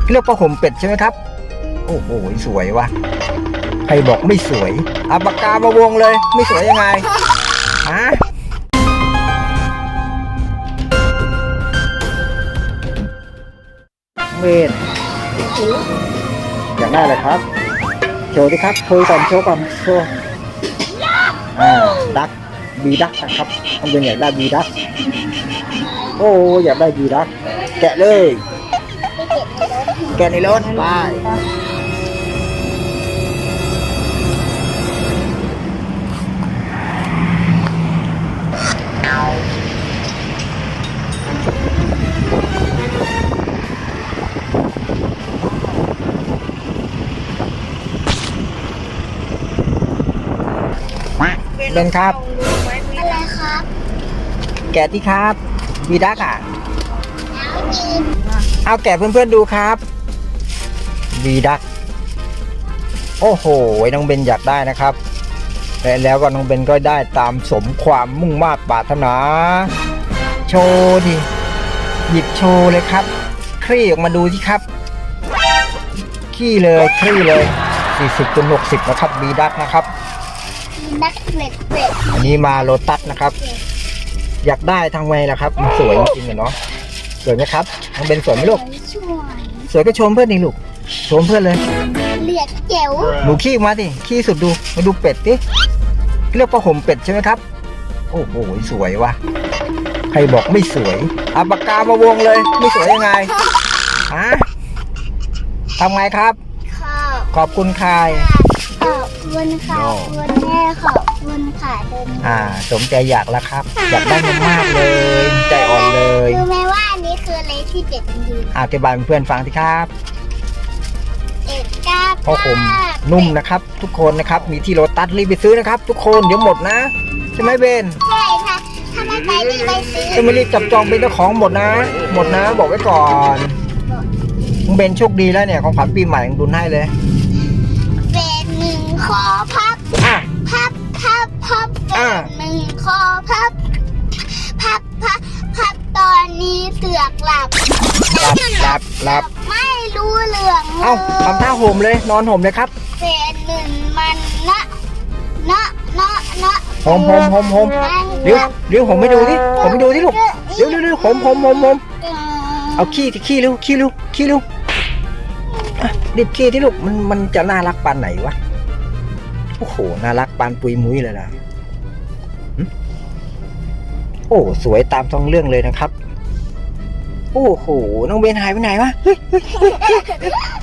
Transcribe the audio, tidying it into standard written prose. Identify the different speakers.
Speaker 1: เรียกผ้าห่มเป็ดใช่ไหมครับโอ้โหสวยวะใครบอกไม่สวยเอาปากกามาวงเลยไม่สวยยังไงฮะเมนอยากได้อะไรครับโชว์ดิครับโชว์ก่อนโชว์ดักบีดักนะครับต้องเป็นอยากได้บีดักโอ้อยากได้บีดักแกะเลยแกะในรถไปเป็นครับ
Speaker 2: อะไรครับ
Speaker 1: แกะที่ครับบีดักอ่ะ
Speaker 2: แล้วกิน
Speaker 1: เอาแกะเพื่อนๆดูครับบีดักโอ้โหน้องเบนอยากได้นะครับแล้วก็น้องเบนก็ได้ตามสมความมุ่งมา่ปรารถนาโชว์ดิหยิบโชว์เลยครับคลี่ออกมาดูสิครับขี้เลยคลี่เลย40/60นะครับบีดักนะครับ
Speaker 2: นักเป็ด
Speaker 1: อันนี้มาโลตัสนะครับอยากได้ทางไงล่ะครับมันสวยจริงๆเนาะสวยไหมครับน้องเบนสวยไหมลูก
Speaker 2: ช่วย
Speaker 1: สวยก็ชมเพื่อนดิลูกชมเพื่อนเลย
Speaker 2: เรียกเจ๋ว
Speaker 1: หนูขี้มาดิขี้สุดดูมาดูเป็ดดิเรียกผ้าห่มเป็ดใช่ไหมครับโอ้โหสวยวะใครบอกไม่สวยเอาปากกามาวงเลยไม่สวยยังไงฮะทำไงครับ ขอบคุณใคร
Speaker 2: ขอบคุณค่ะขอบคุณแม่ขอบคุณค่ะเดิน
Speaker 1: สมใจอยากแล้วครับอยากได้มากๆเลยใจอ่อนเลย
Speaker 2: รู้ไหมว่าอันนี้คืออะไรที่เป็ดมันยืน
Speaker 1: อธิบายเพื่อนฟังสิครับ
Speaker 2: เป็ดกล้า
Speaker 1: ผ้าห่มนุ่มนะครับ ทุกคนนะครับมีที่โลตัสรีบไปซื้อนะครับ ทุกคนเดี๋ยวหมดนะใช่ไหมเบน
Speaker 2: ใช่ค่ะถ้าไม่ไปนี่ไปซื้อ
Speaker 1: ถ้าไม่รีบจับจองเป็นเจ้าของหมดนะบอกไว้ก่อนมึงเบนโชคดีแล้วเนี่ยของขวัญปีใหม่มึงดุลให้เลย
Speaker 2: เป็ดหนึ่งคอพับ
Speaker 1: อ่ะ
Speaker 2: พับเป็ดหนึ่งคอพับตอนนี้เสือกหลับ
Speaker 1: หลับ
Speaker 2: ไม่รู้เรื่อง
Speaker 1: เอ้าทำท่าห่มเลยนอนห่มเลยครับ
Speaker 2: เป็ดหนึ่งมันนะ
Speaker 1: ห่มเร็วห่มไม่ดูดิห่มไม่ดูดิลูกเร็วห่มเอาขี้เร็วอ่ะรีบขี้ที่ลูกมันจะน่ารักปานไหนวะโอ้โหน่ารักปานปุยมุ้ยเลยล่ะโอ้สวยตามท้องเรื่องเลยนะครับโอ้โหน้องเบนหายไปไหนวะ